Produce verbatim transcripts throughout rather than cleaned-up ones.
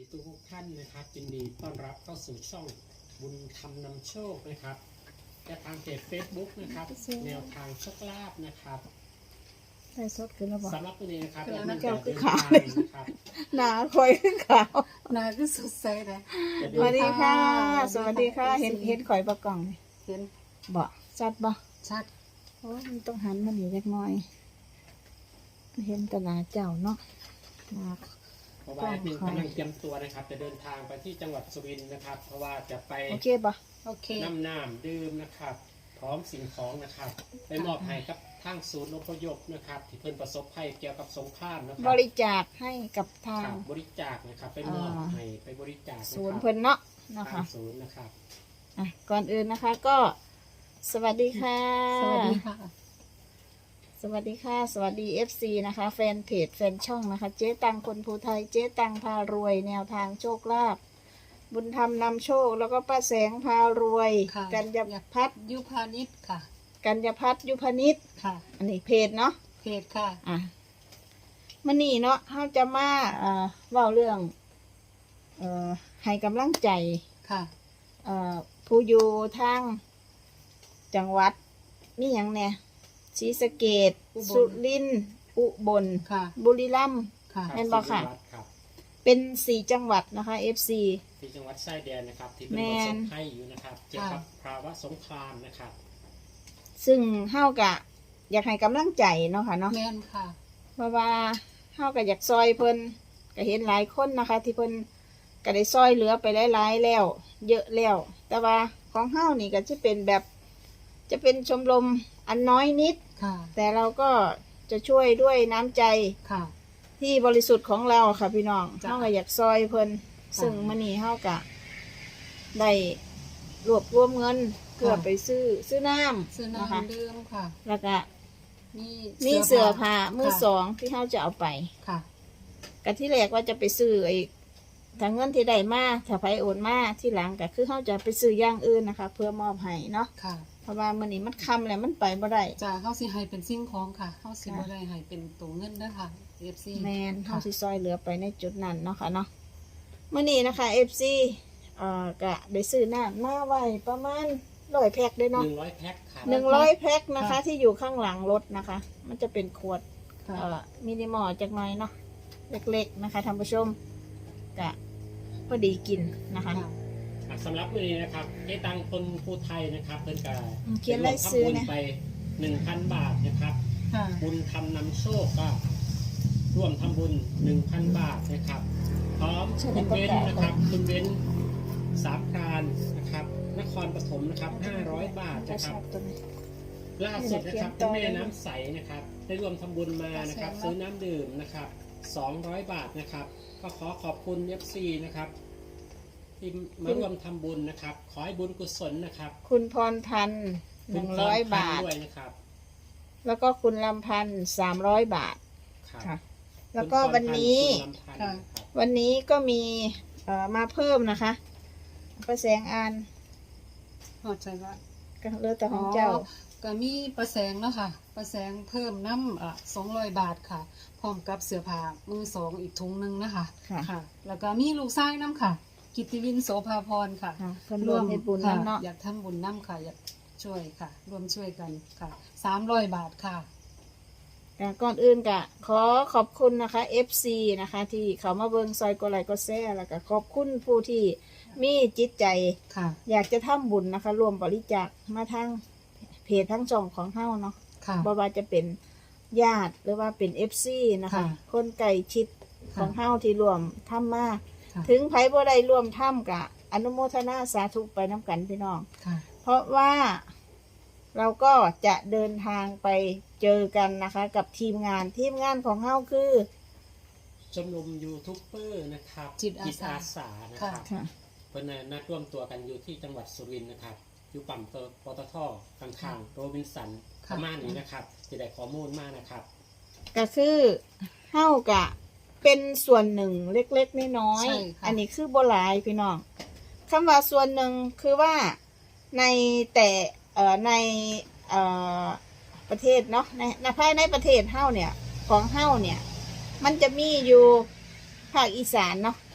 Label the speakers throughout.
Speaker 1: ทุกท่านนะครับยินดีต้อนรับเข้าสู่ช่องบุญธรรมนำโชคนะครับและทางเพจ เฟซบุ๊ก นะครับแนวทางโชคลาภนะครับ
Speaker 2: ได้สดขึ้นแล้วบอก
Speaker 1: สำหรับวันนี้นะครับ
Speaker 2: แล้วแก้วคือขาว
Speaker 1: นะครับ
Speaker 2: หนาคอยขึ้นขาว
Speaker 3: หนาคือสดใสเลย
Speaker 2: สวัสดีค่ะ สวัสดีค่ะ เห็นเห็นข่อยประกล่องไหม
Speaker 3: เห็น
Speaker 2: บ่ชัดบ่
Speaker 3: ชัด
Speaker 2: โอ้มันต้องหันมันอยู่เล็กน้อยเห็นแต่หนาเจ้าเนาะหนา
Speaker 1: เพราะว่าแอดมินกำลังเตรียมตัวนะครับจะเดินทางไปที่จังหวัดสุรินทร์นะครับเพราะว่าจะไป
Speaker 2: โอเคบ่
Speaker 3: โอเค
Speaker 1: น้ำน้ำดื่มนะครับพร้อมสิ่งของนะครับไปมอบให้กับทางศูนย์อพยพนะครับที่เพิ่นประสบภัยเกี่ยวกับสงครามนะค
Speaker 2: บ
Speaker 1: รับ
Speaker 2: ริจาคให้กับทา
Speaker 1: ค
Speaker 2: ง
Speaker 1: รับบริจาคนะครับไปมอบให้ไปบริจาค
Speaker 2: ศูนย์
Speaker 1: นะค
Speaker 2: เพิ่
Speaker 1: รับ
Speaker 2: นเนาะนะ
Speaker 1: ทา
Speaker 2: คะ
Speaker 1: งศูนย์นะครับ
Speaker 2: อ่ะก่อนอื่นนะคะก็ สวัสดีค่ะ
Speaker 3: สวัสดีค่ะ
Speaker 2: สวัสดีค่ะ สวัสดี เอฟ ซี นะคะ แฟนเพจแฟนช่องนะคะ เจ๊ตังคนภูไทย เจ๊ตังพารวย แนวทางโชคลาภบุญธรรมนำโชค แล้วก็ป้าแสงพารวย
Speaker 3: ค่ะ
Speaker 2: กัญญพัฒน์
Speaker 3: ยุพานิชค่ะ
Speaker 2: กัญญพัฒน์ยุพนิช
Speaker 3: ค่ะ
Speaker 2: อันนี้เพจเนาะ
Speaker 3: เพจค่ะ
Speaker 2: อ่ะมันนี่เนาะเขาจะมาเอ่อเว่าเรื่องเอ่อให้กำลังใจ
Speaker 3: ค่ะ
Speaker 2: เอ่อผู้อยู่ทางจังหวัดนี่อย่างเนี่ยศรีสะเกษ
Speaker 3: อุบล
Speaker 2: สุรินทร์อุบล
Speaker 3: ค่ะ
Speaker 2: บุรีรัมย์
Speaker 3: ค่ะ
Speaker 2: แม่นบ่ค่ะ
Speaker 1: ที่จังหวัดครับ
Speaker 2: เป็นสี่จังหวัดนะคะ เอฟ ซี
Speaker 1: ที่จังหวัดชายแดนนะครับที่เป็น
Speaker 2: แม่
Speaker 1: ประส
Speaker 2: น
Speaker 1: บภัยอยู่นะครับเกี่ยวกับภาวะสงครามนะครับ
Speaker 2: ซึ่งเฮากะ อยากให้กำลังใจเนาะค่ะเนาะ
Speaker 3: แม่นค่ะ
Speaker 2: เพราะว่าเฮาก็อยากซอยเพิ่นก็เห็นหลายคนนะคะ ที่เพิ่นก็ได้ซอยเหลือไปหลายๆแล้ว เยอะแล้ว แต่ว่าของเฮานี่ก็จะเป็นแบบจะเป็นชมรมอันน้อยนิด
Speaker 3: ค่ะ
Speaker 2: แต่เราก็จะช่วยด้วยน้ำใจ
Speaker 3: ค่ะ
Speaker 2: ที่บริสุทธิ์ของเราค่ะพี่น้อง
Speaker 3: จ้ะ
Speaker 2: เฮาก็อยากซอยเพิ่นซึ่งมื้อนี้เฮากะได้รวบรวมเงินเพื่อไปซื้อซื้อน้ำ
Speaker 3: ซื้อ
Speaker 2: นะคะ
Speaker 3: น้ำดื่มค่ะ
Speaker 2: แล้วก็
Speaker 3: มี
Speaker 2: มีเสื้อผ้ามือสองที่เฮาจะเอาไป
Speaker 3: ค่ะ
Speaker 2: กะที่แรกว่าจะไปซื้อไอ้ถ้าเงินที่ได้มาถ้าไผโอนมาที่หลังก็คือเฮาจะไปซื้ออย่างอื่นนะคะ เพื่อมอบให้เนาะ
Speaker 3: ค่ะ
Speaker 2: เพราะว่ามื้อนี้มันค่ำแล้วมันไปบ่ได้
Speaker 3: จะเฮาสิให้เป็นสิ่งของค่ะเฮาสิ
Speaker 2: ค่ะ
Speaker 3: บ่ได้ให้เป็นตัวเงินเด้อค่ะ เอฟ ซี
Speaker 2: แมนเฮา
Speaker 3: ค่ะ
Speaker 2: สิซอยเหลือไปในจุดนั้นเนาะค่ะเนาะมื้อนี้นะคะ เอฟ ซี เอ่อก็ได้ซื้อน้ำมาไว้ประมาณร้อยแพ็คด้วย
Speaker 1: ห
Speaker 2: เนาะ
Speaker 1: นึ่งร้อยแพ็คครับ
Speaker 2: หนึ่งร้อยแพ็คนะคะ
Speaker 3: ค่ะ
Speaker 2: ที่อยู่ข้างหลังรถนะคะ มันจะเป็นขวด
Speaker 3: ค่ะ
Speaker 2: เอ่อมินิมอลจักหน่อยเนาะเล็กๆนะคะท่านผู้ชมก็พอดีกินนะคะ
Speaker 3: ค่ะ
Speaker 1: อ่ะสำหรับวันนี้นะครับเจ๊ตังคนภูไทยนะครับเพิ่นก็
Speaker 2: อืมเขียนรายชื่อ
Speaker 1: ร่วม
Speaker 2: นะ
Speaker 1: ทำบุญไปหนึ่งพันบาทนะครับ
Speaker 3: ค่ะ
Speaker 1: บุญทำนำโชคก็ร่วมทำบุญหนึ่งพันบาทนะครับ พร้อมคุณเว้นนะครับคุณเว้นสามพรานนะครับนครปฐมนะครับห้าร้อยบาท
Speaker 2: จะ
Speaker 1: นะค
Speaker 2: ช
Speaker 1: รั
Speaker 2: อ
Speaker 1: บบ
Speaker 2: ตัวนี้
Speaker 1: ล่าสุดนะครับ
Speaker 2: เขียนต่
Speaker 1: คุ
Speaker 2: อ
Speaker 1: ณแม่น้ำใสนะครับได้ร่วมทำบุญมานะครับ
Speaker 2: เขียนมา
Speaker 1: ซื้อน้ำดื่มนะครับสองร้อยบาทนะครับก็ขอขอบคุณ เอฟ ซี นะครับที่มาร่วมทำบุญนะครับ ขอให้บุญกุศลนะครับ
Speaker 2: คุณพรพันธ์หนึ่งร้อยบาท
Speaker 1: ด้วยนะครับ
Speaker 2: แล้วก็คุณลำพันธ์สามร้อยบาท
Speaker 1: ครับ
Speaker 2: ค่ะ แล้วก็วันนี้
Speaker 1: คุณลำพันธ์นะครับ
Speaker 2: วันนี้ก็มีเอ่อมาเพิ่มนะคะประแสงอ่าน
Speaker 3: เข้าใจว่า
Speaker 2: ก็เหลือแต่ของเจ้า
Speaker 3: ก็มีประแสงเนาะค่ะประแสงเพิ่มน้ำอ่ะสองร้อยบาทค่ะ พร้อมกับเสื้อผ้ามือสองอีกถุงหนึงนะคะ
Speaker 2: ค่ะ
Speaker 3: ค่ะ แล้วก็มีลูกชายน้ำค่ะ กิตติวินโสภาพรค่ะ
Speaker 2: ค่ะเพิ่นร่วมเฮ็ดบุญ
Speaker 3: ค่ะ
Speaker 2: นำเนาะ
Speaker 3: อยากทำบุญน้ำค่ะ อยากช่วยค่ะ ร่วมช่วยกันค่ะสามร้อยบาทค่ะ
Speaker 2: อ่ะก่อนอื่นก็ขอขอบคุณนะคะ เอฟ ซี นะคะ ที่เขามาเบิงซอยกดไลค์กดแชร์แล้วก็ขอบคุณผู้ที่มีจิตใจ
Speaker 3: ค่ะ
Speaker 2: อยากจะทำบุญนะคะรวมบริจาคมาทางเพจทั้งช่องของเฮาเนาะ
Speaker 3: ค่ะ
Speaker 2: บ่ว่าจะเป็นญาติหรือว่าเป็น เอฟ ซี นะคะ
Speaker 3: ค่ะ
Speaker 2: คนใกล้ชิดของเฮาที่รวมทำมา
Speaker 3: ค่ะ
Speaker 2: ถึงไผบ่ได้ร่วมทำกะอนุโมทนาสาธุไปน้ำกันพี่น้อง
Speaker 3: ค่ะ
Speaker 2: เพราะว่าเราก็จะเดินทางไปเจอกันนะคะ กับทีมงานทีมงานของเฮาคือ
Speaker 1: ชมรมยูทูบเบอร์นะครับ
Speaker 3: จิตอาสา
Speaker 1: สานะครับ
Speaker 2: ค่ะ
Speaker 1: เพื่อนน่ะนัดร่วมตัวกันอยู่ที่จังหวัดสุรินทร์นะครับอยู่ปั๊มปตทข้างๆโรบินสันป
Speaker 3: ค่ะ
Speaker 1: ระมาณนี้นะครับจะได้ข้อมูลมากนะครับ
Speaker 2: ก็คือเฮากะเป็นส่วนหนึ่งเล็กๆน้อย
Speaker 3: ใช่
Speaker 2: ๆ
Speaker 3: ค่ะ
Speaker 2: อันนี้คือบ่หลายพี่น้องคำว่าส่วนหนึ่งคือว่าในแต่เอ่อในเอ่อประเทศเนาะในในภายในประเทศเฮาเนี่ยของเฮาเนี่ย มันจะมีอยู่ภาคอีสานเนาะ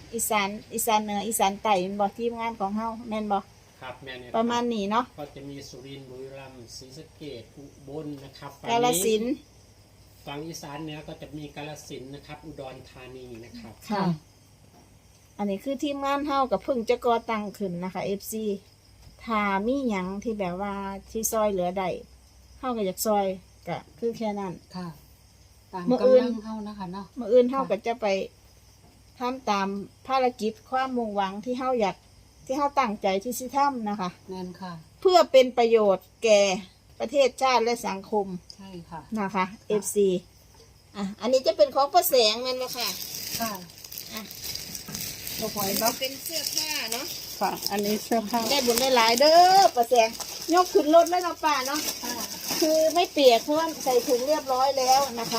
Speaker 2: อีสานอีสานเหนืออีสานใต้แม่นบ่ทีมงานของเฮาแม่นบ่
Speaker 1: ครับแม่เนี่ย
Speaker 2: ประมาณนี้เนาะ
Speaker 1: ก็จะมีสุรินทร์บุรีรัมย์ศรีสะเกษอุบลนะครับฝั่ง
Speaker 2: กาฬสินธุ์
Speaker 1: ฝั่งอีสานเหนือก็จะมีกาฬสินธุ์นะครับ อุดรธานีนะครับ
Speaker 2: ค่ะ อันนี้คือทีมงานเฮากับเพิ่งจะก่อตั้งขึ้นนะคะ เอฟ ซี ถ้ามีหยังที่แบบว่าที่ซอยเหลือได้เฮาก็อยากซอยก็คือแค่นั้น
Speaker 3: ค่ะ ตาม
Speaker 2: มื้อก อื่น
Speaker 3: ำลังเฮานะคะเนาะ
Speaker 2: มื้ออื่นเฮาก็จะไปทำตามภารกิจความมุ่งหวังที่เฮาอยากที่เฮาตั้งใจที่สิทำนะคะ
Speaker 3: แม่นค่ะ
Speaker 2: เพื่อเป็นประโยชน์แก่ประเทศชาติและสังคม
Speaker 3: ใช่ค่ะ
Speaker 2: นะคะ เอฟ ซี อ่ะอันนี้จะเป็นของประแสงแม่นบ่ค่ะ
Speaker 3: ค่ะ
Speaker 2: อ่ะ
Speaker 3: ลูกหอย
Speaker 2: เรา
Speaker 3: เนาะ
Speaker 2: เป็นเสื้อผ้าเนาะ
Speaker 3: ค่ะ อันนี้เสื้อผ้า
Speaker 2: ได้บุญได้หลายเด้อประแสงยกขึ้นรถแล้วเนาะป้าเนาะ
Speaker 3: ค่ะ
Speaker 2: คือไม่เปียกเพราะว่าใส่ถุงเรียบร้อยแล้วนะคะ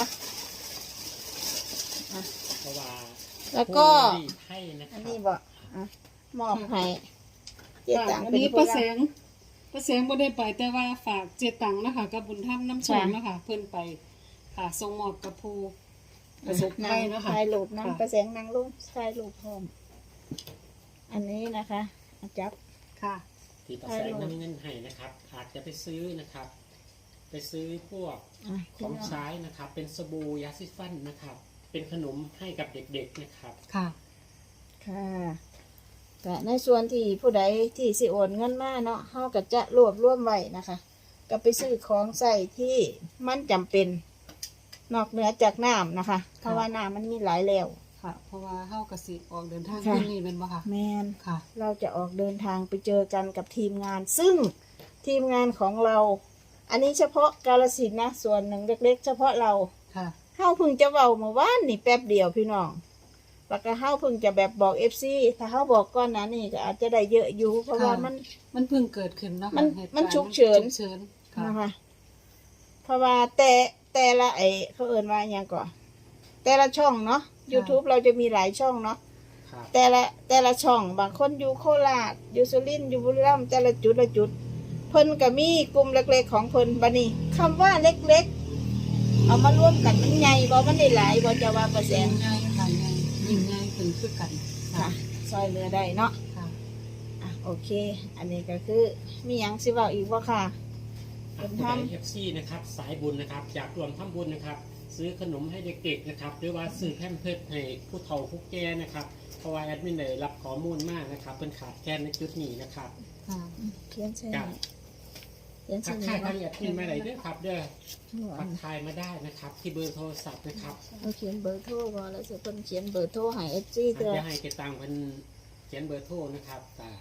Speaker 1: เพราะว่า
Speaker 2: แล้วก็
Speaker 1: ผู้รีดให้นะค
Speaker 2: อั
Speaker 1: รั
Speaker 2: น
Speaker 1: บ
Speaker 2: นี้บอกอ่ะมอบให้เจ๊
Speaker 3: ค่ะ
Speaker 2: ตัง
Speaker 3: อัน
Speaker 2: เป็น
Speaker 3: นี้
Speaker 2: ผู้
Speaker 3: ประ
Speaker 2: รับ
Speaker 3: แสงประแสงบ่ได้ไปแต่ว่าฝากเจตังนะคะกับบุญธรรมน้ำชมนะคะเพิ่นไปค่ะส่งมอบกับผู้ประสบภัยนะคะ
Speaker 2: ถ่ายรูป
Speaker 3: ค่ะ
Speaker 2: น้ำประแสงนางรูปถ่ายรูปพร้อมอันนี้นะคะอ่ะจับ
Speaker 3: ค่ะ
Speaker 1: ที่ประแสงน้ำเงินให้นะครับอาจจะไปซื้อนะครับ ไปซื้อพวก
Speaker 2: อ่ะ
Speaker 1: ของใช้นะครับ เป็นสบู่ยาสีฟันนะครับ เป็นขนมให้กับเด็กๆนะครับ
Speaker 3: ค่ะ
Speaker 2: ค่ะแต่ในส่วนที่ผู้ใดที่สิโอนเงินมาเนาะเฮาก็จะรวบรวมไว้นะคะ ก็ไปซื้อของใส่ที่มันจำเป็น นอกเหนือจากน้ำนะคะ เพราะว่าน้ำมันมีหลายแล้ว
Speaker 3: ค่ะ เพราะว่าเฮากสิออกเดินทาง
Speaker 2: ค่ะ
Speaker 3: คืนนี้เป็นบ่ค่ะ
Speaker 2: แมน
Speaker 3: ค่ะ
Speaker 2: เราจะออกเดินทางไปเจอกันกับทีมงาน ซึ่งทีมงานของเรา อันนี้เฉพาะกาฬสินธุ์นะ ส่วนหนึ่งเล็กๆ เฉพาะเรา
Speaker 3: ค่ะ
Speaker 2: เฮาเพิ่งจะเว้าเมื่อวานนี่แป๊บเดียวพี่น้องแล้วก็เฮาเพิ่งจะแบบบอก เอฟ ซี ถ้าเฮาบอกก่อนหนะนี่ก็อาจจะได้เยอะอยู่ เพราะว่ามัน
Speaker 3: มันเพิ่งเกิดขึ้นเนาะ
Speaker 2: มั
Speaker 3: ค่ะ
Speaker 2: น
Speaker 3: เหตุการณ์
Speaker 2: มันฉุกเฉิน
Speaker 3: ฉุกเฉินค่ะ
Speaker 2: นะคะ เพราะว่าแต่แต่ละไอเขาเอ่นว่าอย่างก่อนแต่ละช่องเนาะ YouTube เราจะมีหลายช่องเนาะ
Speaker 1: ครับ
Speaker 2: แต่ละแต่ละช่องบางคนอยู่โคราชอยู่สุรินทร์อยู่บุรีรัมย์แต่ละจุดละจุด เพิ่นก็มีกลุ่มเล็กๆของเพิ่นบัดนี้คำว่าเล็กๆ เอามารวมกันมันใหญ่บ่มันได้หลายบ่จะว่าเปอร์เซ็
Speaker 3: ยิ่
Speaker 2: น
Speaker 3: ง
Speaker 2: ต์
Speaker 3: ง่ายค่ะง่ายยิ่งง่ายขึ้นคือกัน
Speaker 2: ค่ะ ซอยเหลือได้เนาะ
Speaker 3: ค่ะ
Speaker 2: อ่ะโอเค อันนี้ก็คือมีหยังสิเว้าอีกบ่ค่ะ
Speaker 1: ผู้ใดเอฟซีนะครับสายบุญนะครับอยากรวมทำบุญนะครับ ซื้อขนมให้เด็กๆนะครับหรือว่าซื้อแพมเพิร์สให้ผู้เฒ่าผู้แก่นะครับเพราะว่าแอดมินได้รับข้อมูลมากนะครับเป็นขาดแคลนในจุดนี้นะครับ
Speaker 3: ค่ะ
Speaker 2: เขียนใช่
Speaker 1: กับ
Speaker 2: เขียน
Speaker 1: ทั
Speaker 2: ใช่
Speaker 1: กทาย
Speaker 2: เนาะ
Speaker 1: ทางแอดมินมาได้ด้วยครับเด้อทักทายมาได้นะครับ ที่เบอร์โทรศัพท์นะครับ
Speaker 2: เราเขียนเบอร์โทรบ่แล้วสิเพิ่นเขียนเบอร์โทรให้ เอฟ ซี
Speaker 1: อาจ
Speaker 2: เด้อ
Speaker 1: จะให้เกตังเพิ่นเขียนเบอร์โทรนะครับแต่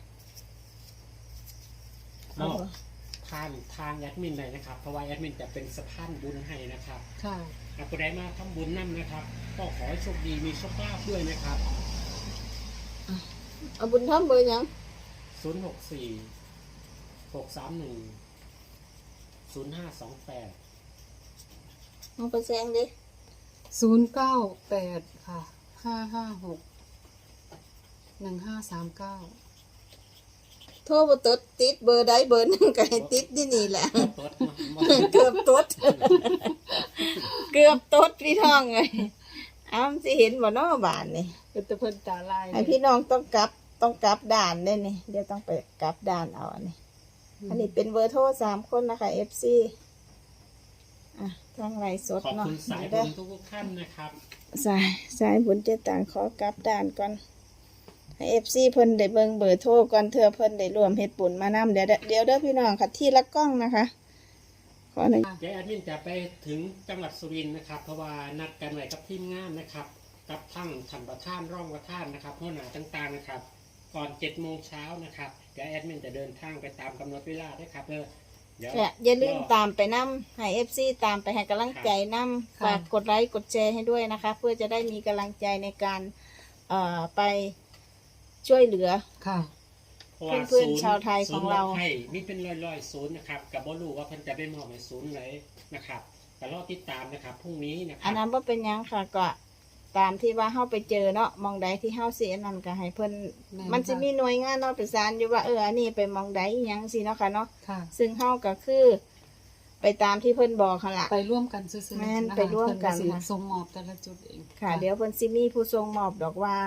Speaker 1: ม
Speaker 2: เอา
Speaker 1: อบ
Speaker 2: บ่
Speaker 1: ทางทางแอดมินเลยนะครับเพราะว่าแอดมินจะเป็นสะพานบุญให้นะครับ
Speaker 3: ค่ะ
Speaker 1: หากผู้ใดมาทำบุญนั่นนะครับ ก็ขอให้โชคดีมีโชคลาภด้วยนะครับ
Speaker 2: เอาบุญทำเบอร์หยัง
Speaker 1: ศูนย์ หก สี่ หก สาม หนึ่ง ศูนย์ ห้า สอง แปด
Speaker 2: เอาไปแซงดิ
Speaker 3: ศูนย์เก้าแปดค่ะห้าห้าหกหนึ่งห้าสามเก้า
Speaker 2: โทรบ่ติดติดเบอร์ใดเบอร์หนึงก็ให้ติดนี่นี่แหละ
Speaker 1: ตดมามา
Speaker 2: เกือบตด เกือบตดพี่น้องเลยอ้าวสิเห็นบ่เนาะบ้านนี่
Speaker 3: เป็นตะเพิ่นตาลาย
Speaker 2: ไอพี่น้องต้องกลับต้องกลับด่านเด้นี่เดี๋ยวต้องไปกลับด่านเอาอันนี้ อันนี้เป็นเบอร์โทรสามคนนะคะ เอฟ ซี อ่ะทางไลฟ์สด
Speaker 1: ขอบ
Speaker 2: เนาะ
Speaker 1: คุณสาย
Speaker 2: เด้
Speaker 1: บุ
Speaker 2: อ
Speaker 1: ญทุกๆท่านนะครับ
Speaker 2: สายสายบุญเจต่างขอกลับด่านก่อนให้เอฟซีเพิ่นได้เบิ่งเบอร์โทรก่อนเธอเพิ่นได้รวมเฮ็ดบุญมานำเดี๋ยวเด้อเดี๋ยวเด้อพี่น้องค่ะที่ละกล้องนะคะ ขอหนึ่ง
Speaker 1: เดี๋ยวแอดมินจะไปถึงจังหวัดสุรินทร์นะครับ เพราะว่านัดกันไว้กับทีมงานนะครับ กับทั้งท่านประธานร่องประธานนะครับหัวหน้าต่างๆนะครับ ก่อนเจ็ดโมงเช้านะครับเดี๋ยวแอดมินจะเดินทางไปตามกำหนดเวลาด้วยครับเด้อเดี๋ยว
Speaker 2: และอย่าลืมตามไปนำให้ เอฟ ซี ตามไปให้กำลังใจนำฝากกดไลค์กดแชร์ให้ด้วยนะคะ เพื่อจะได้มีกำลังใจในการเอ่อไปช่วยเหลือ
Speaker 3: ค่ะ
Speaker 1: เพราะว่า
Speaker 2: เพื่อนๆ
Speaker 1: ศูย์
Speaker 2: ชาวไทยของเรา
Speaker 1: ศูนย์ไทยมีเป็นร้อยๆศูนย์นะครับกับบ่รู้ว่าเพิ่นจะไปมอบให้ศูนย์ไหนนะครับแต่รอติดตามนะครับพรุ่งนี้นะค
Speaker 2: อั
Speaker 1: รั
Speaker 2: น
Speaker 1: บ
Speaker 2: นั้นบ่เป็นหยังค่ะก็ตามที่ว่าเฮาไปเจอเนาะหมองใดที่เฮาสิอันนั้นก็ให้เพิ่น
Speaker 3: แม่น
Speaker 2: มันสิ
Speaker 3: ค่ะ
Speaker 2: มีหน่วยงานเนาะประสานอยู่ว่าเอออันนี้ไปหมองใดอิหยังสิเนาะค่ะเนาะ
Speaker 3: ค่ะ
Speaker 2: ซึ่งเฮาก็คือ ไปตามที่เพิ่นบอกค่ะล่ะ
Speaker 3: ไปร่วมกันซื้อๆ
Speaker 2: แม่น
Speaker 3: นะคะ
Speaker 2: ไปร่วมกัน
Speaker 3: เพิ่สิ
Speaker 2: ค่ะ
Speaker 3: ส่งมอบแต่ละจุดเอง
Speaker 2: ค่ะ เดี๋ยวเพิ่นสิมีผู้ทรงมอบดอกว่า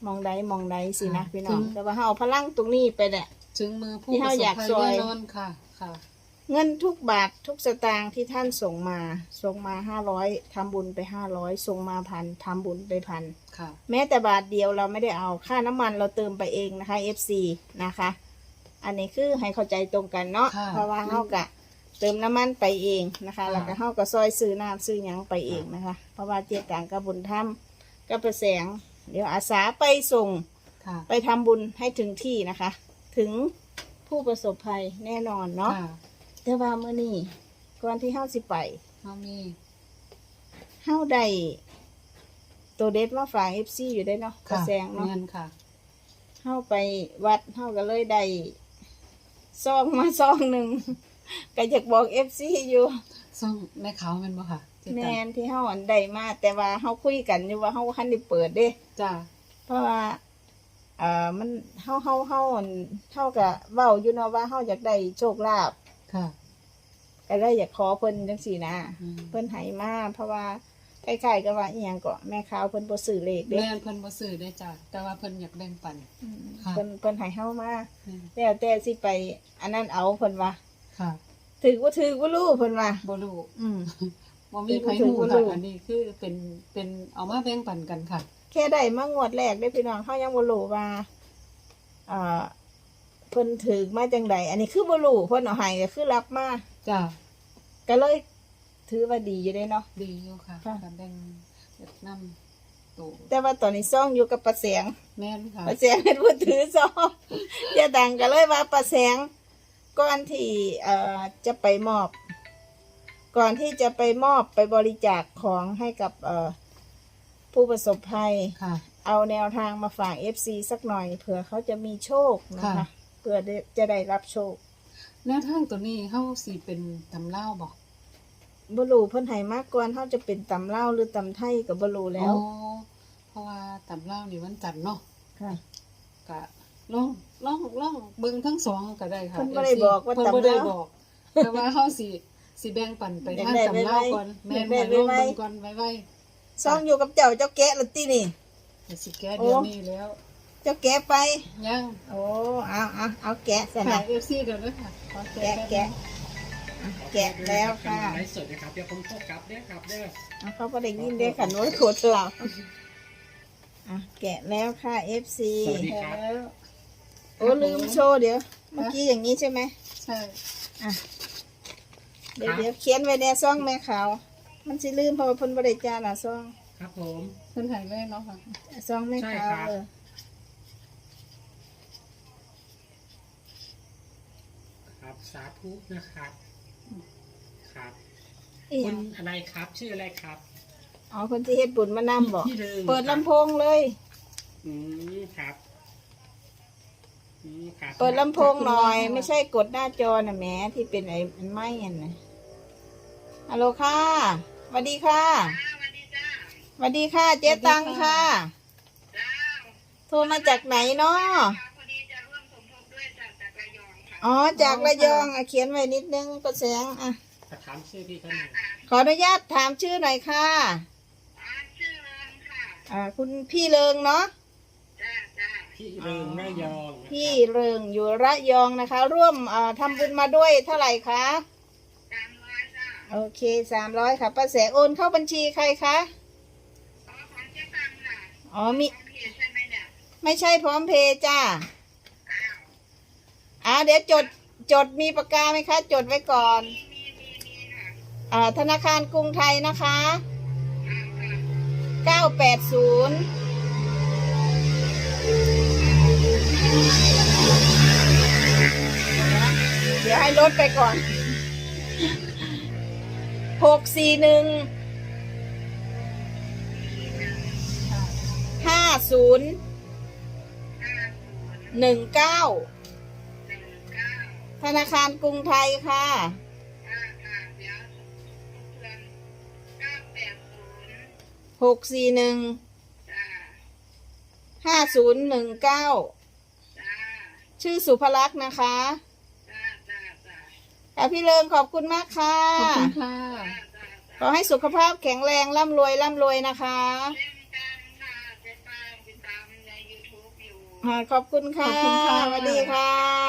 Speaker 2: มองใดมองใดสินะ
Speaker 3: ค่ะ
Speaker 2: พี่น้อง
Speaker 3: ถึง
Speaker 2: แต่ว่าเฮาเอาพลังตรงนี้ไปเนี่ย
Speaker 3: ถึงมือผู้
Speaker 2: ที่
Speaker 3: ประ
Speaker 2: เฮา
Speaker 3: สบ
Speaker 2: อยาก
Speaker 3: ภัย
Speaker 2: ซอย
Speaker 3: แน่นอนค่ะค่ะ
Speaker 2: เงินทุกบาททุกสตางค์ที่ท่านส่งมาส่งมาห้าร้อยทำบุญไปห้าร้อยส่งมาพันทำบุญไปพัน
Speaker 3: ค่ะ
Speaker 2: แม้แต่บาทเดียวเราไม่ได้เอาค่าน้ำมันเราเติมไปเองนะคะ เอฟ ซี นะคะ อันนี้คือให้เข้าใจตรงกันเนาะ
Speaker 3: ค่ะ
Speaker 2: เพราะว่าเฮากะเติมน้ำมันไปเองนะคะ
Speaker 3: ค่ะ
Speaker 2: แล้วก็เฮาก็ซอยซื้อน้ำซื้อหยังไปเองนะคะ เพราะว่าเจต่างกับบุญธรรมก็ประแสง เดี๋ยวอาสาไปส่ง
Speaker 3: ค่ะ
Speaker 2: ไปทำบุญให้ถึงที่นะคะ ถึงผู้ประสบภัยแน่นอนเนาะ
Speaker 3: ค่ะ
Speaker 2: แต่ว่าเมื่อนี้ก่อนที่เฮาสิไป
Speaker 3: เฮามี
Speaker 2: เฮาได้ตัวเด็ดมาฝาก เอฟ ซี อยู่ได้เนาะประ
Speaker 3: ค่ะ
Speaker 2: แสงเนาะ
Speaker 3: เงินค่ะ
Speaker 2: เฮาไปวัดเฮาก็เลยได้ซองมาซองหนึ่ง ก็อยากบอก เอฟ ซี อยู่
Speaker 3: ซ่องแม่ขาวแม่นบ่ค่ะเจ๊
Speaker 2: แม
Speaker 3: ตัง
Speaker 2: นที่เฮาอันใดมาแต่ว่าเฮาคุยกันอยู่ว่าเฮาคันได้เปิดเด้
Speaker 3: จ้า
Speaker 2: เพราะว่าเอ่อมันเฮาเฮาเฮาอันเฮาก็เว้าอยู่เนาะว่าเฮาอยากได้โชคลาภ
Speaker 3: ค่ะ
Speaker 2: ก็เลยอยากขอเพิ่นจังซี่นะ
Speaker 3: อืม
Speaker 2: เพิ่นให้มาเพราะว่าใกล้ๆก็ว่าอีหยังก็แม่ขาวเพิ่นบ่ซื้อเลขเด้
Speaker 3: แม่นเพิ่นบ่ซื้อได้จ้าแต่ว่าเพิ่นอยากแบ่งปัน
Speaker 2: อืม
Speaker 3: ค่ะ
Speaker 2: เพิ่นเพิ่นให้เฮามา
Speaker 3: อืม
Speaker 2: แล้วแต่สิไป อันนั้นเอาเพิ่นว่า
Speaker 3: ค่ะ
Speaker 2: ถือว่าถือว่ารู้เพิ่นว่า
Speaker 3: บ่รู้
Speaker 2: อืม
Speaker 3: บ่มีไผ
Speaker 2: ถือ
Speaker 3: ฮู้
Speaker 2: บ่รู้
Speaker 3: ค่ะอันนี้คือเป็นเป็นเอามาแบ่งปันกันค่ะ
Speaker 2: แค่ได้มางวดแรกได้พี่น้องเขายังบ่รู้ว่าเอ่อเพิ่นถือมาจังใดอันนี้คือบ่รู้เพิ่นเอาให้ก็คือรับมา
Speaker 3: จ้า
Speaker 2: ก็เลยถือว่าดีอยู่ได้เนาะ
Speaker 3: ดีอยู่ค่ะ
Speaker 2: ค่ะ
Speaker 3: การแบ่งเวียดนามโต
Speaker 2: แต่ว่าตอนนี้ซ่องอยู่กับป้าแสง
Speaker 3: แม่นค่ะ
Speaker 2: ป้าแสงเป็นผู้ถือซ่องอย่าดังก็เลยว่าป้าแสงก่อนที่เอ่อจะไปมอบ ก่อนที่จะไปมอบไปบริจาคของให้กับเอ่อผู้ประสบภัย
Speaker 3: ค่ะ
Speaker 2: เอาแนวทางมาฝาก เอฟ ซี สักหน่อยเผื่อเขาจะมีโชคนะคะ
Speaker 3: ค่ะ
Speaker 2: เพื่อได้จะได้รับโชค
Speaker 3: แนวทางตัวนี้เฮาสิเป็นตำเล่าวบ่
Speaker 2: บรูเพิ่นให้มากกว่าเขาจะเป็นตำเล่าวหรือตำไทยกับบรูแล้ว
Speaker 3: อ๋อเพราะว่าตำเล่าวนี่วันจันทร์เนาะ
Speaker 2: ค่ะ
Speaker 3: ก็ลองลองลองเบิ่งทั้งสองก็ได้ค่ะ
Speaker 2: เพิ่นบ่ได้บอกว่า
Speaker 3: เพิ่นบ่
Speaker 2: ตำ
Speaker 3: ได้
Speaker 2: ลาว
Speaker 3: บอก แต่ว่าเฮาสิสิแบ่งปันไป
Speaker 2: อยาก
Speaker 3: ทาง
Speaker 2: ได้
Speaker 3: ตำเล่าว
Speaker 2: ไว้
Speaker 3: ก่อนแม่น
Speaker 2: อยากได้
Speaker 3: ค่ะลอง
Speaker 2: ไว้
Speaker 3: เบิ่งก่อนไว้ๆ
Speaker 2: ซ่องอยู่กับเจ้าเจ้าแกะละตินี่
Speaker 3: ก็สิแก้เดี๋ยวนี้แล้ว
Speaker 2: เจ้าแกะไป
Speaker 3: ยัง
Speaker 2: โอ้เอาเอาเอาแกะส
Speaker 3: ค่ะ
Speaker 2: นะ
Speaker 3: เอฟซีเดี๋ยวนะค่ะขอ
Speaker 2: แกะ
Speaker 3: ป๊บ
Speaker 2: แกะ อ่ะแกะแล้วค่ะ
Speaker 1: ไลฟ์สดนะครับเดี๋ยวผมโทรกลับเด้อครับเด้อ
Speaker 2: เอาเขาก็ได้ยินได้ขันโน้ตโคตรเราอ่ะแกะแล้วค่ะ เอฟ ซี
Speaker 1: สวัสดีครับ
Speaker 3: แล้ว
Speaker 2: โอ้ลืมโชว์เดี๋ยว เมื่อกี้อย่างนี้ใช่ไหม
Speaker 3: ใช่
Speaker 2: อ่ะเดี๋ยวเดี๋ยวเขียนไว้ในซองแม่ขาวมันสิลืมเพราะว่าเพิ่นบ่ได้จานอ่ะซอง
Speaker 1: ครับผม
Speaker 3: เพิ่นหายไว้เนาะค่ะ
Speaker 2: ซองแม่ขาว
Speaker 1: ใช่ครับ
Speaker 2: เออ
Speaker 1: ครับสาธุนะครับ ครับ
Speaker 2: อีห
Speaker 1: คุ
Speaker 2: ยั
Speaker 1: ณ
Speaker 2: ง
Speaker 1: อะไรครับ ชื่ออะไรครับ
Speaker 2: อ๋อเพิ่นสิเฮ็ดบุญมานํบ่
Speaker 1: พี่เริง
Speaker 2: เปิดลำโพงเลย
Speaker 1: อืมครับอืมครับ
Speaker 2: เปิดลำโพงหน่อย ไม่ใช่กดหน้าจอน่ะแหมที่เป็นไอ้มันไหม้อันน่ะฮัลโหลค่ะสวัสดีค่ะสวัสดีค่ะ เจ๊ตังค่ะ โทรมาจากไหนเนาะอ๋อจากระยองอ่ะเขียนไว้นิดนึงประแสงอ่ะ
Speaker 1: ขอถามชื่อพี่เขาหน่อย
Speaker 2: ขออนุญาตถามชื่อหน่อยค่ะอ่าคุณพี่เริงเนาะ
Speaker 1: พี่เริงระยองนะครับ
Speaker 2: พี่เริงอยู่ระยองนะคะ ร่วมอ่าทำบุญมาด้วยเท่าไหร่คะโอเคสามร้อยค่ะป้าแสโอนเข้าบัญชีใครคะอ๋อมีไม่ใช่พร้อมเพย์จ้าอ่าเดี๋ยวจดจดมีปากกาไหมคะ จดไว้ก่อนอ่าธนาคารกรุงไทยนะคะเก้าแปดศูนย์เดี๋ยวให้ลดไปก่อนหกสี่หนึ่งห้าศูนย์หนึ่งเก้าธนาคารกรุงไทยค่ะหกสี่หนึ่งห้าศูนย์หนึ่งเก้าชื่อสุภลักษณ์นะคะค่ะพี่เลิงขอบคุณมากค่ะ
Speaker 3: ขอบคุณค่ะ
Speaker 2: ขอให้สุขภาพแข็งแรงร่ำรวยร่ำรวยนะคะอ่าขอบคุณค่ะ
Speaker 3: ขอบคุณค่ะ
Speaker 2: สวัสดีค่ะ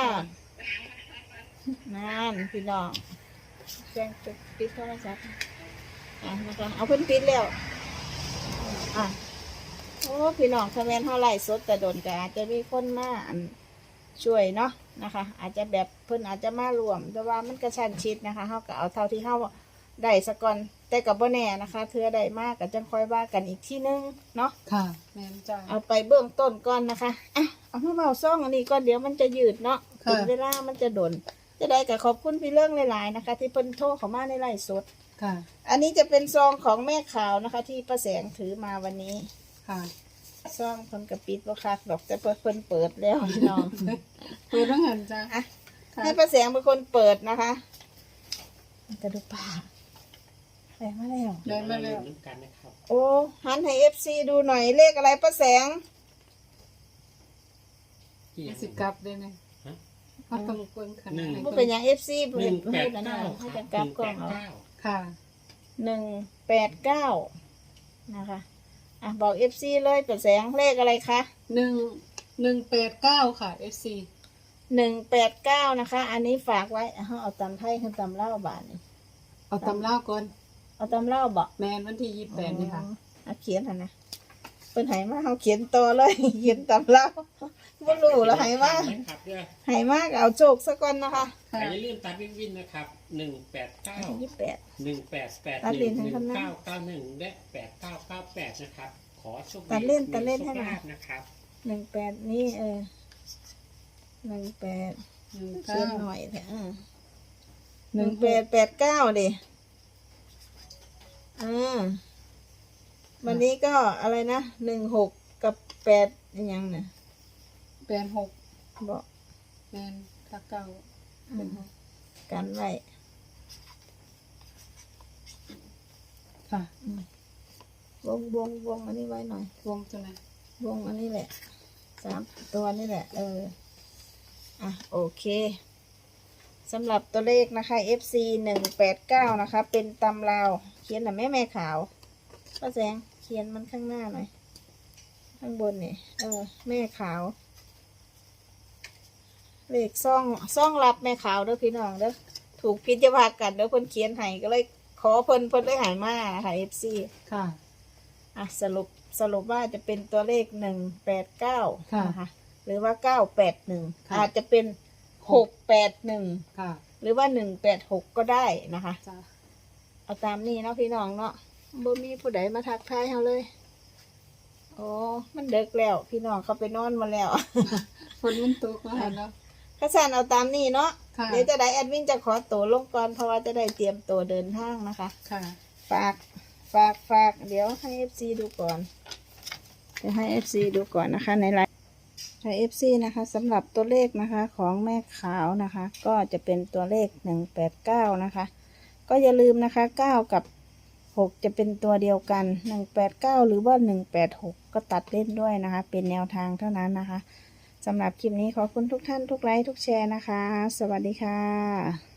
Speaker 2: นั่นพี่น้องแจ้งปิดโทรศัพท์อ่ะนะคะเอาเพิ่นปิดแล้วอ่ะโอ้พี่น้องถ้าแม่นเท่าไหร่สดแต่โดนก็อาจจะมีคนมาอันช่วยเนาะนะคะ อาจจะแบบเพิ่นอาจจะมารวม แต่ว่ามันกระชั้นชิดนะคะเฮาก็เอาเท่าที่เฮาได้สะก่อนแต่กับบ่แน่นะคะเธอได้มากก็จังค่อยว่ากันอีกที่นึงเนาะ
Speaker 3: ค่ะแม่นจ้า
Speaker 2: เอาไปเบื้องต้นก่อนนะคะอ่ะเอามาเบาซ่องอันนี้ก่อนเดี๋ยวมันจะยืดเนาะ
Speaker 3: ค่ะ
Speaker 2: ถึงเวลามันจะโดน จะได้กับขอบคุณพี่เรื่องหลายๆนะคะ ที่เพิ่นโทรเข้ามาในไลฟ์สด
Speaker 3: ค่ะ
Speaker 2: อันนี้จะเป็นซองของแม่ขาวนะคะ ที่ป้าแสงถือมาวันนี้
Speaker 3: ค่ะ
Speaker 2: ซองเพิ่นกระปิดบ่คักดอกแต่เพิ่นเปิดแล้วพี่น้อง
Speaker 3: เปิดต้องหันจ้า
Speaker 2: อ่ะ
Speaker 3: ค่ะ
Speaker 2: ให้ป้าแสงเป็นคนเปิดนะคะจะดูป่าแสงมาแล้ว
Speaker 3: ได้มาแล้ว
Speaker 1: เหมือนกันนะครับ
Speaker 2: โอ้หันให้ เอฟ ซี ดูหน่อยเลขอะไรป้าแสง
Speaker 1: ที่ยัง
Speaker 3: สิกลับได้ไหม
Speaker 1: ฮะ
Speaker 3: เขาต้องเบิ่งขนาดไหน
Speaker 2: บ่เป็นหยัง เอฟ ซี
Speaker 1: หนึ่งแปด
Speaker 2: นะ
Speaker 1: เก้า
Speaker 2: ให้
Speaker 1: ครั
Speaker 2: จะ
Speaker 1: บ
Speaker 2: กลับ
Speaker 1: หนึ่ง
Speaker 2: กล้องเอา
Speaker 1: แปดเก้า
Speaker 3: ค่ะ
Speaker 2: หนึ่งแปดเก้านะคะอ่ะบอกเอฟซีเลยเปิดแสงเลขอะไรคะ
Speaker 3: หนึ่งหนึ่งแปดเก้าค่ะ เอฟซี
Speaker 2: หนึ่งแปดเก้านะคะ อันนี้ฝากไว้เอาเอาตำไทยขึ้นตำเล่าบาทนี่
Speaker 3: เอาตำเล่าก่อน
Speaker 2: เอาตำเล่าบอก
Speaker 3: แมนวันที่ยี่สิบแปดนี่ค่ะ
Speaker 2: เอาเขียนหันนะเป็นไหมาเขาเขียนต่อเลย เขียนตำเล่าบ่รู้แล้วไหมา
Speaker 1: นะครับเด้อ
Speaker 2: ไหมาก็เอาโชคซะก่อนนะคะ
Speaker 3: ค่ะ
Speaker 1: แต่อย่าลืมตัดวินวินนะครับหนึ่งแปดเก้า
Speaker 2: ยี่สิบแปด
Speaker 1: หนึ่งแปดแปด
Speaker 2: ตัด
Speaker 1: ห
Speaker 2: เล
Speaker 1: นึ่
Speaker 2: น
Speaker 1: ง
Speaker 2: ให้
Speaker 1: หนึ่
Speaker 2: เขานะ
Speaker 1: งเก้าเก้าหนึ่งและแปดเก้าเก้าแปดนะครับ ขอโชคดี
Speaker 2: ตัดเล่น
Speaker 1: มี
Speaker 2: ตัดเล่นให้หน่อย
Speaker 1: โชคลาภนะครับ
Speaker 2: หนึ่งแปดนี่เออหนึ่งแปด
Speaker 3: หนึ่ง
Speaker 2: เขี
Speaker 3: เก้าย
Speaker 2: นหน่อยเถอะอ่า
Speaker 3: ห
Speaker 2: ห
Speaker 3: นึ่
Speaker 2: นึ่
Speaker 3: ง
Speaker 2: ง
Speaker 3: แป
Speaker 2: แป
Speaker 3: ด
Speaker 2: ดแปดเก้าดิอ่าวันนี้ก็อะไรนะหนึ่งหกกับแปดอยังเนี่ย
Speaker 3: แปดหก
Speaker 2: บอก
Speaker 3: แมนถ้าเก้า
Speaker 2: อืมกันไว้
Speaker 3: ค่ะ
Speaker 2: วงวงวงอันนี้ไว้หน่อย
Speaker 3: วงตัวไหน
Speaker 2: วงอันนี้แหละสามตัวนี่แหละ เออ อ่ะ โอเคสำหรับตัวเลขนะคะ เอฟ ซี หนึ่งแปดเก้านะคะ เป็นตำราว เขียนหน่อยแม่แม่ขาวป้าแสงเขียนมันข้างหน้าหน่อย ข้างบนนี่เออ แม่ขาว เลขซ่องซ่องรับแม่ขาวเด้อพี่น้องเด้อถูกพิจารณากันเด้อเพิ่นเขียนให้ก็เลยขอเพิ่นเพิ่นได้หายมาค่ะ เอฟ ซี
Speaker 3: ค่ะ
Speaker 2: อ่ะสรุปสรุปว่าจะเป็นตัวเลขหนึ่งแปดเก้า
Speaker 3: ค่ะ
Speaker 2: นะคะหรือว่าเก้าแปดหนึ่ง
Speaker 3: ค่ะ
Speaker 2: อาจจะเป็นหกแปดหนึ่ง
Speaker 3: ค่ะ
Speaker 2: หรือว่าหนึ่งแปดหกก็ได้นะคะ
Speaker 3: จ้า
Speaker 2: เอาตามนี้เนาะพี่น้องเนาะบ่มีผู้ใดมาทักทายเฮาเลยโอ้มันเดึกแล้วพี่น้องเขาไปนอนมาแล้ว
Speaker 3: ฝนมันตกมาแล้ว
Speaker 2: ข้าสันเอาตามนี้เนาะ
Speaker 3: ค่ะ
Speaker 2: เดี๋ยวจะได้แอดมินจะขอตัวลงก่อนเพราะว่าจะได้เตรียมตัวเดินทางนะคะ
Speaker 3: ค่ะ
Speaker 2: ฝากฝากฝากเดี๋ยวให้ เอฟ ซี ดูก่อนเดี๋ยวให้ เอฟ ซี ดูก่อนนะคะในไลน์ให้ เอฟ ซี นะคะสำหรับตัวเลขนะคะของแม่ขาวนะคะ ก็จะเป็นตัวเลขหนึ่งแปดเก้านะคะ ก็อย่าลืมนะคะเก้ากับหกจะเป็นตัวเดียวกันหนึ่งแปดเก้าหรือว่าหนึ่งแปดหกก็ตัดเล่นด้วยนะคะ เป็นแนวทางเท่านั้นนะคะสำหรับคลิปนี้ขอบคุณทุกท่านทุกไลค์ทุกแชร์นะคะ สวัสดีค่ะ